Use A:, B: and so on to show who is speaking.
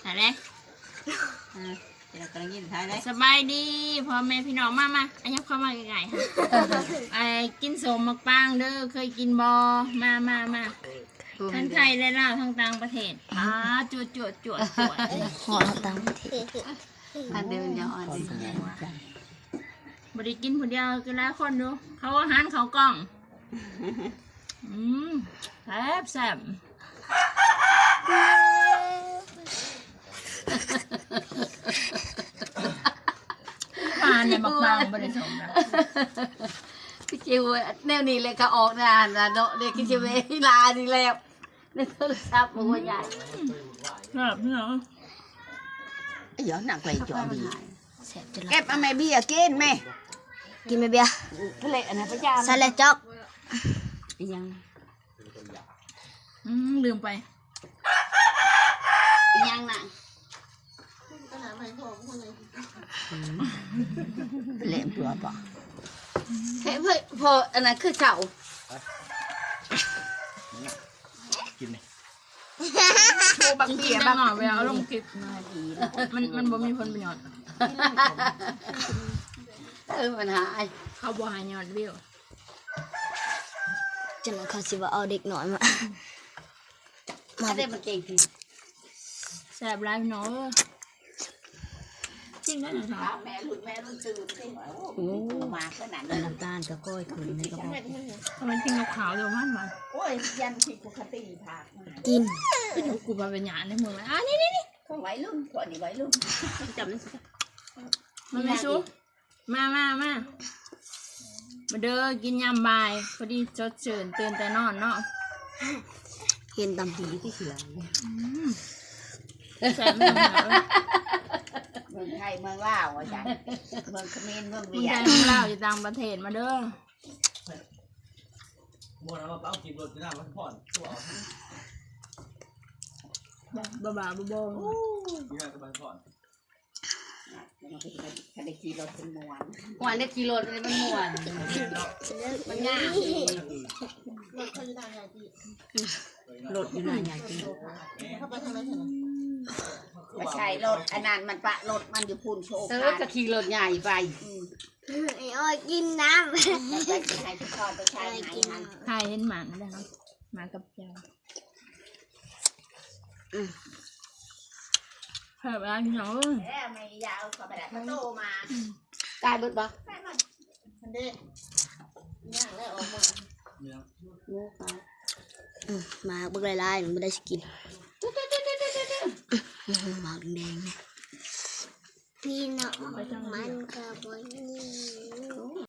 A: อะไร
B: เรากำลังยินท้ายเลย
A: สบายดีพ่อแม่พี่น้องมาอันนี้เข้ามาไกลๆค่ะไอ้กินสมมักปังเด้อเคยกินบอมาทั้งไทยและลาวทั้งต่างประเทศจวด
C: หอต่างประเทศ
B: อันเดียวยังอ่อน
A: บริกินคนเดียวก็แล้วคนดูเขาอาหารเขากล้องแซ่บปลาเนี่ยมักปังบริสมนะ
B: พี่จิวแนวนี้เลยก็ออกนานนะเนาะเด็กพี่จิวลาดีแล้วในโทรศัพท์มันใหญ่
A: แบบนี้เหรอ
B: เดี๋ยวหนักเลยจ่อบีเก็บเอาแม่เบี้ยกินไหม
C: กินไม่เบี้ย
B: ทะเลอันนั้นพระเจ้า
C: ใส่เลยจ๊อก
B: ยัง
A: ลืมไป
B: ยังน่ะเละเปลือกป่ะเฮ้ยพออันนั้นคือเก่า
A: กินไหมโชว์บักเบี้ยบักหน่อไปเอาลงคลิปมันบ่มีผลประโยชน์
B: มันหาย
A: เขาบ่หายยอดวิว
C: จังเขาสิว่าเอาเด็กหน่อยมา
B: ได้มันเก่ง
A: แซ่บไรเนาะจริงนะหนูถาม
B: แม่รุ่นตื่นสิโอ้มาขนาดนั้น
C: น้ำตาลกับก้อยคืนในกระบอก
A: ทำไมกินกับขาวเดี๋ยวมัน
B: โอ้ยยันผิดปกติผัก
C: กิน
A: กูมาเป็นหยาในเมืองเลยนี่
B: เขาไว้รุ่นก่อนนี่ไว้รุ่นจำ
A: มันไม่สู้มาเด้อกินยำบ่ายพอดีจดเชิญตื่นแต่นอนเนาะ
C: เห็นตำผีที่เสือ
A: แซ่บไม่เหรอ
B: เมืองไทยเมืองลาวอาจารย์เมืองเขมรเมืองเวียด
A: เมืองลาวอยู่ต่างประเทศมาเด้อ
D: โมนะว่าเอากินรถที่หน้ามันผ่อนตัว
A: บ้าที่ห
D: น้าก็มันผ่อน
B: ถ้าได้ขี่รถเป็นม้วนได้ขี่รถเลยมันม้วนมันง่ายรถอยู่ไหนอย่างที่ไม่ใช่รถอันนั้นมันปะรถมันอยู่พูนโชว์ก็ขี่รถใหญ่ไป
C: ไอ้อ้อยกินน้ำ
B: ไปใช้ทุกคนไปใช้ไหนฮัน
A: ใช่เห็นหมาได้ครับหมากับเจ้าเพิ่มอะไรพี่น้อง
B: ไม่ยาวขอไปได้โตมาตายเบิดบ่ทันเด้ย่างแล้วออกมา
C: มาเบิกลายๆไม่ได้สกินหมากแดงพี่น้องมันกับบนนี้